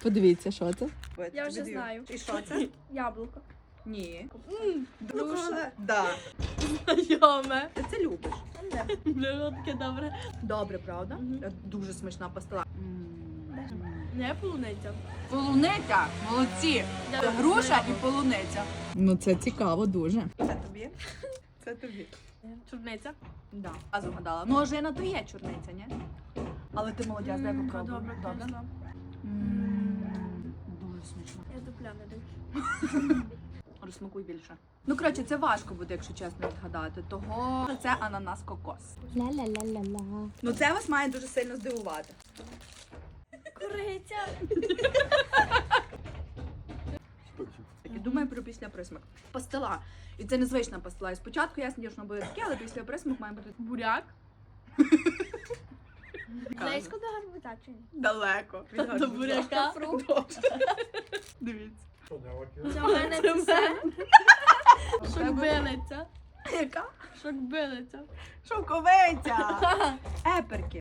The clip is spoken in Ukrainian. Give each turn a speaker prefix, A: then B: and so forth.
A: Подивіться, що це.
B: Я вже знаю.
C: І що це?
B: Яблуко.
C: Ні.
B: Груша.
C: Да.
B: Знайоме.
C: Ти це любиш?
B: Таке добре.
C: Добре, правда? Дуже смачна пастила.
B: Не полуниця.
A: Полуниця, молодці. Груша і полуниця. Ну це цікаво дуже.
C: Це тобі? Це тобі.
B: Чорниця.
C: Да. А згадала. Ну, ожина то є чорниця, ні? Але ти молодець, дай попробуй.
B: Добре, добре.
C: Дуже смачно.
B: Я дупля не даю.
C: Розсмакуй більше. Ну, коротше, це важко буде, якщо чесно відгадати. Того це ананас-кокос.
A: Ла-ла-ла-ла-ла.
C: Ну, це вас має дуже сильно здивувати.
B: Куриця.
C: І думаю про після присмак. Пастила. І це незвична пастила. І спочатку ясно, що воно буде таке, але після присмак має бути
B: Буряк. Близько до гарбуза чи ні?
C: далеко. від
B: До
C: гарбуза.
B: буряка.
C: Дивіться.
B: Це в мене все. Шокбилиця.
C: Яка?
B: Шокбилиця.
C: Шовковиця. Еперки.